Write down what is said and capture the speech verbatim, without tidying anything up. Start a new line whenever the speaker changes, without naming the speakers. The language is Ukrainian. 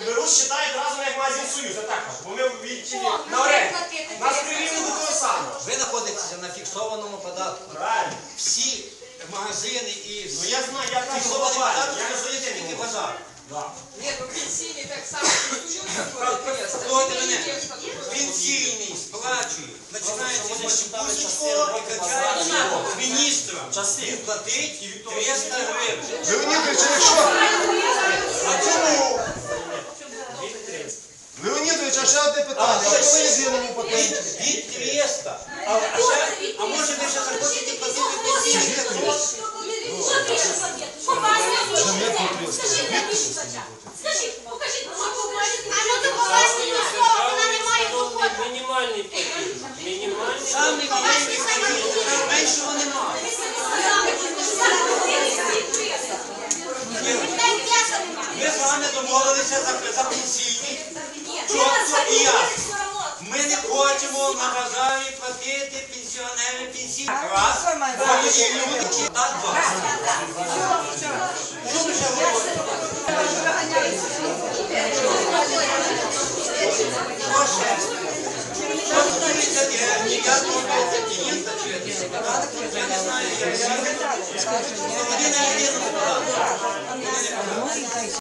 Беруть, считають разом як магазин Союз, а так, бо ми відчили на оренду. Нас прирівняли до того самого.
Ви знаходитеся на фіксованому податку.
Правильно.
Всі магазини і
Ну я знаю, я кажу,
фіксований
глобально.
податок
Я не
стосується
знаю,
тільки базару.
Да.
Ні, ну пенсійний так само фіксують.
Слухайте мене, пенсійний сплачує, починається зі Щепусінського і качається міністра. Він платить триста гривень.
Леонідович, а якщо? А чому? Леонідович, а ще одне питання. А коли єдиному патенті?
Від триста. А, а, ще, а може ви ще захочете платити пенсійний?
Скажіть, покажіть, а ну то поважні до слова, вона не має доходу.
Мінімальний платіж. Мінімальний.
Самі маленькі платіжі, меншого немає. Ми з вами домовилися за, за пенсійні, чітко і ясно. Ми не хочемо на базарі платити пенсіонери пенсійні. Раз, молоді люди, та два. Що ви ще говорите? Що ще? Що стосується ніякого континента чи податку, я не знаю, як вони на єдиному податку.